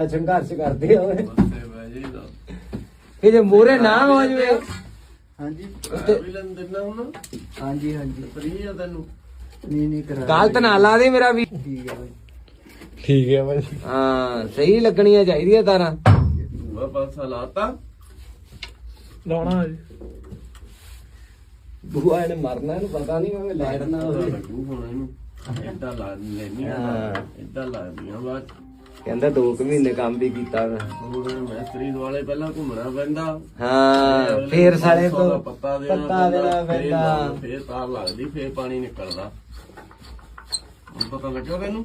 ਸੰਘਰਸ਼ ਕਰਦੇ ਆ ਕਿ ਜੇ ਮੋਰੇ ਨਾ ਹੋ ਜਵੇ। ਹਾਂਜੀ ਵੀ ਲੈਣ ਦਿੰਦਾ ਹੁਣ ਹਾਂਜੀ ਹਾਂਜੀ ਫਰੀ ਆ ਤੈਨੂੰ ਨਹੀਂ ਕਰਾ ਗਲਤ ਨਾ ਲਾ ਦੇ ਮੇਰਾ ਵੀ। ਠੀਕ ਹੈ ਬਾਈ। ਠੀਕ ਹੈ ਭਾਈ। ਹਾਂ ਸਹੀ ਲੱਗਣੀਆਂ ਚਾਹੀਦੀਆਂ ਤਾਰਾਂ। ਦੂਆ ਪਾਸਾ ਲਾਤਾ ਲਾਉਣਾ ਜੀ ਬੂਆ ਇਹਨੇ ਮਰਨਾ, ਇਹਨੂੰ ਪਤਾ ਨਹੀਂ ਮੈਂ ਲੈੜਨਾ ਹੋਵੇ। ਲੱਗੂ ਹੁਣ ਇਹਨੂੰ ਏਦਾਂ ਲਾ ਲੈਣੀਆਂ ਏਦਾਂ ਲਾਦੀਆਂ ਬਾਅਦ ਕਹਿੰਦਾ 2 ਮਹੀਨੇ ਕੰਮ ਵੀ ਕੀਤਾ ਮੈਂ। ਹੁਣ ਮੈਸਤਰੀ ਦੁਆਲੇ ਪਹਿਲਾਂ ਘੁੰਮਣਾ ਪੈਂਦਾ। ਹਾਂ ਫੇਰ ਸਾਲੇ ਤੋਂ ਪੱਤਾ ਪੱਤਾ ਦੇਣਾ ਪੈਂਦਾ। ਫੇਰ ਤਾਰ ਲੱਗਦੀ ਫੇਰ ਪਾਣੀ ਨਿਕਲਦਾ। ਹੁਣ ਪਤਾ ਲੱਗਿਆ ਤੈਨੂੰ?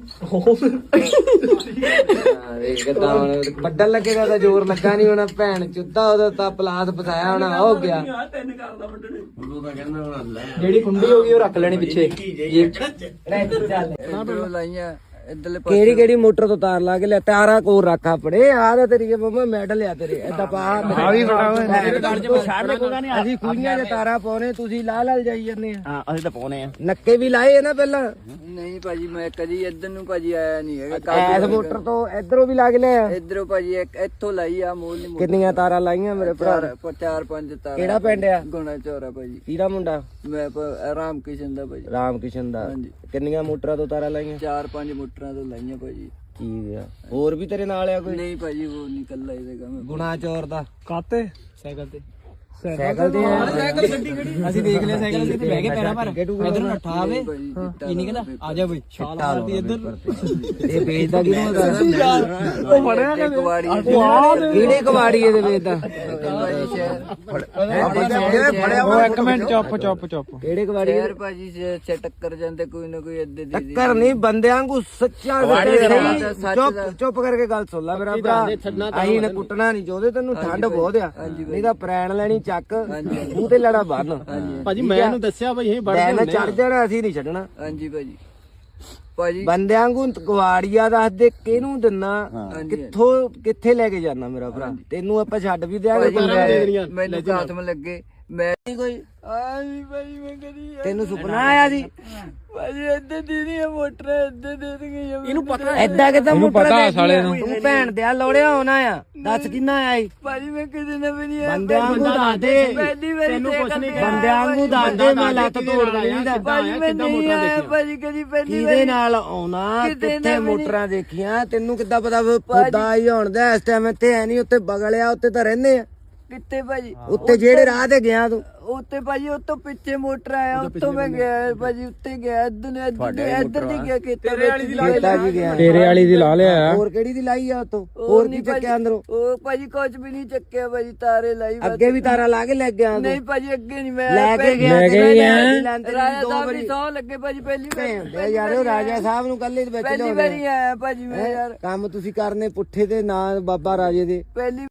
ਦੇਖ ਕਿੱਦਾਂ ਹੁਣ ਵੱਡਣ ਲੱਗੇਗਾ ਤਾਂ ਜ਼ੋਰ ਲੱਗਾ ਨਹੀਂ ਹੋਣਾ। ਭੈਣ ਚੁੱਦਾ ਉਹਦਾ ਤਾਂ ਪਲਾਸ ਫਸਾਇਆ ਹੋਣਾ ਹੋ ਗਿਆ। ਉਦੋਂ ਤਾਂ ਕਹਿੰਦਾ ਹੁਣ ਲੈ ਜਿਹੜੀ ਕੁੰਡੀ ਹੋ ਗਈ ਉਹ ਰੱਖ ਲੈਣੀ ਪਿੱਛੇ। ਇੱਧਰੋਂ ਲਾਈਆਂ ਇੱਧਰਲੇ ਕਿਹੜੀ ਕਿਹੜੀ ਮੋਟਰ ਤੋਂ ਤਾਰ ਲਾ ਕੇ ਲਿਆ? ਤਾਰਾਂ ਕੋਲ ਰੱਖ ਆਪਣੇ ਆਹ ਤਾਂ ਤੇਰੀ ਮਮਾ ਮੈਡਲ ਆ ਤੇਰੇ ਏਦਾਂ ਪਾ ਆ ਵੀ ਬੜਾ ਹੋਇਆ ਅਸੀਂ ਕੁੜੀਆਂ ਦੇ ਤਾਰਾਂ ਪਾਉਣੇ, ਤੁਸੀਂ ਲਾ ਲਾ ਜਾਈ ਜਾਂਦੇ ਆ। ਹਾਂ ਅਸੀਂ ਤਾਂ ਪਾਉਨੇ ਆ। ਨੱਕੇ ਵੀ ਲਾਏ ਆ ਨਾ ਪਹਿਲਾਂ। ਨਹੀਂ ਭਾਜੀ ਮੈਂ ਕਦੀ ਇੱਧਰ ਨੂੰ ਭਾਜੀ ਆਇਆ ਨਹੀਂ ਹੈਗਾ। ਐਸ ਮੋਟਰ ਤੋਂ ਇਧਰੋਂ ਵੀ ਲਾ ਕੇ ਲਿਆ। ਇੱਧਰੋਂ ਭਾਜੀ ਇੱਕ ਇੱਥੋਂ ਲਾਈ ਆ ਮੋਲ ਨਹੀਂ ਕਿੰਨੀਆਂ ਤਾਰਾਂ ਲਾਈਆਂ ਮੇਰੇ ਭਰਾ? 4-5 ਤਾਰ। ਕਿਹੜਾ ਪਿੰਡ ਆ? ਗੁਣਾ ਚੌਰਾ ਭਾਜੀ। ਕਿਹੜਾ ਮੁੰਡਾ? ਮੈਂ ਰਾਮ ਕਿਸ਼ਨ ਦਾ ਭਾਜੀ। ਰਾਮ ਕਿਸ਼ਨ ਦਾ। ਹਾਂਜੀ। ਕਿੰਨੀਆਂ ਮੋਟਰਾਂ ਤੋਂ ਤਾਰਾਂ ਲਾਈਆਂ? 4-5 ਮੋਟਰਾਂ ਤੋਂ ਲਾਈਆਂ ਭਾਜੀ। ਠੀਕ ਆ। ਹੋਰ ਵੀ ਤੇਰੇ ਨਾਲ ਆ ਕੋਈ? ਨਹੀਂ ਭਾਜੀ ਉਹ ਨਹੀਂ ਕੱਲਾ ਇਹਦੇ ਕੰਮ। ਗੁਣਾ ਚੋਰ ਦਾ ਕਾਤੇ ਸਾਈਕਲ ਤੇ ਸਾਈਕਲ ਤੇ ਅਸੀਂ ਦੇਖ ਲਿਆ ਸਾਈਕਲ ਤੇ ਬਹਿ ਕੇ ਪੈਰਾਂ ਪਰ ਇਧਰ ਨੂੰ ਨੱਠਾ ਆਵੇ ਭਾਜੀ ਕੀ ਨਹੀਂ ਕਹਿੰਦਾ ਆ ਜਾ ਬਈ ਛਾਲ ਮਾਰਦੀ ਇੱਧਰ ਇਹ ਵੇਚਦਾ ਕਿਹਨੂੰ ਹੈਗਾ? ਉਹ ਫੜਿਆ ਇੱਕ ਕਵਾੜੀ ਕਿਹੜੇ ਕਵਾੜੀ ਇਹਦੇ ਵੇਚਦਾ? ਉਹ ਇੱਕ ਮਿੰਟ ਚੁੱਪ ਕਿਹੜੇ ਕਵਾੜੀ? ਯਾਰ ਭਾਜੀ ਸੇ ਟੱਕਰ ਜਾਂਦੇ ਕੋਈ ਨਾ ਕੋਈ ਅੱਧੇ ਦੀ ਟੱਕਰ ਨਹੀਂ, ਬੰਦਿਆਂ ਨੂੰ ਸੱਚਾ ਚੁੱਪ ਚੁੱਪ ਕਰਕੇ ਗੱਲ ਸੁਣ ਲੈ ਮੇਰਾ ਭਰਾ। ਅਸੀਂ ਨੇ ਕੁੱਟਣਾ ਨਹੀਂ ਚਾਹੁੰਦੇ, ਤੈਨੂੰ ਠੰਡ ਬਹੁਤ ਆ। ਨਹੀਂ ਤਾਂ ਪ੍ਰੈਣ ਲੈਣੀ ਚੱਕ ਮੂੰਹ ਤੇ ਲੜਾ ਬੰਨ। ਭਾਜੀ ਮੈਂ ਇਹਨੂੰ ਦੱਸਿਆ ਬਈ ਇਹ ਬੜ ਬੈਨ ਚੜ ਜਾਣਾ, ਅਸੀਂ ਨਹੀਂ ਛੱਡਣਾ। ਹਾਂਜੀ ਭਾਜੀ। ਭਾਜੀ ਬੰਦਿਆਂ ਨੂੰ ਗਵਾੜੀਆ ਦੱਸ ਦੇ ਕਿਹਨੂੰ ਦਿੰਨਾ, ਕਿੱਥੋਂ ਕਿੱਥੇ ਲੈ ਕੇ ਜਾਣਾ ਮੇਰਾ ਭਰਾ। ਤੈਨੂੰ ਆਪਾਂ ਛੱਡ ਵੀ ਦਿਆਂਗੇ। ਮੈਨੂੰ ਹੱਥ ਮ ਲੱਗੇ ਮੈਂ ਕੋਈ ਆਈ ਭਾਜੀ ਮੈਂ ਕਦੀ ਤੈਨੂੰ ਸੁਪਨਾ ਆਇਆ ਸੀ? ਭਾਜੀ ਇੱਧਰ ਦੀਦੀ ਮੋਟਰ ਇੱਧਰ ਦੇ ਦੇਣਗੇ ਇਹਨੂੰ ਪਤਾ ਐਦਾਂ ਕਿਦਾਂ ਮੋਟਰ ਤੂੰ ਭੈਣ ਦੇ ਲੋੜਿਆ ਹੋਣਾ ਆ। ਦੱਸ ਕਿੰਨਾ ਆਇਆ ਈ? ਭਾਜੀ ਮੈਂ ਕਿਤੇ ਨਾ ਵੀ ਨਹੀਂ ਬੰਦਿਆਂ ਨੂੰ ਦੱਸ ਦੇ। ਪਹਿਲੀ ਵਾਰੀ ਬੰਦਿਆਂ ਨੂੰ ਦੱਸ ਦੇ, ਮੈਂ ਲੱਤ ਤੋੜ ਦੇਣੀ ਦਾ। ਭਾਜੀ ਮੈਂ ਨਹੀਂ ਆਇਆ ਭਾਜੀ ਕਦੀ ਪਹਿਲੀ ਕਿਹਦੇ ਨਾਲ ਆਉਣਾ? ਕਿੱਥੇ ਮੋਟਰਾਂ ਦੇਖੀਆਂ? ਤੈਨੂੰ ਕਿੱਦਾਂ ਪਤਾ ਖੁਦਾ ਹੀ ਹੋਣਦਾ ਇਸ ਟਾਈਮ ਇੱਥੇ ਹੈ ਨਹੀਂ। ਉੱਤੇ ਬਗਲਿਆ ਉੱਤੇ ਤਾਂ ਰਹਿੰਦੇ ਆ। ਕਿੱਥੇ ਭਾਜੀ? ਉੱਤੇ ਜਿਹੜੇ ਰਾਹ ਤੇ ਗਿਆ ਤੂੰ? ਉੱਤੇ ਭਾਜੀ ਉੱਤੋਂ ਪਿੱਛੇ ਮੋਟਰ ਆਇਆ ਉੱਤੋਂ ਮੈਂ ਗਿਆ ਭਾਜੀ। ਉੱਤੇ ਗਿਆ ਇੱਧਰ ਨਹੀਂ ਗਿਆ ਖੇਤਾਂ ਖੇਤਾਂ ਵੀ ਗਿਆ। ਤੇਰੇ ਵਾਲੀ ਦੀ ਲਾ ਲਿਆ। ਹੋਰ ਕਿਹੜੀ ਦੀ ਲਾਈ ਆ ਉਤੋਂ? ਹੋਰ ਕੀ ਚੱਕਿਆ ਅੰਦਰੋਂ? ਉਹ ਭਾਜੀ ਕੁਝ ਵੀ ਨਹੀਂ ਚੱਕਿਆ ਭਾਜੀ। ਤਾਰੇ ਲਾਈ ਅੱਗੇ ਵੀ ਤਾਰਾ ਲਾ ਕੇ ਲੈ ਗਿਆ? ਨਹੀਂ ਭਾਜੀ ਅੱਗੇ ਨਹੀਂ ਮੈਂ ਲੈ ਕੇ ਗਿਆ ਰਾਜਾ ਸਾਹਿਬ ਦੀ ਸੌ ਲੱਗੇ ਭਾਜੀ। ਪਹਿਲੀ ਵਾਰ ਯਾਰ ਉਹ ਰਾਜਾ ਸਾਹਿਬ ਨੂੰ ਕੱਲੇ ਵਿੱਚ ਪਹਿਲੀ ਵਾਰੀ ਆਇਆ ਭਾਜੀ ਮੈਂ ਯਾਰ। ਕੰਮ ਤੁਸੀਂ ਕਰਨੇ ਪੁੱਠੇ ਤੇ ਨਾ ਬਾਬਾ ਰਾਜੇ ਦੇ। ਪਹਿਲੀ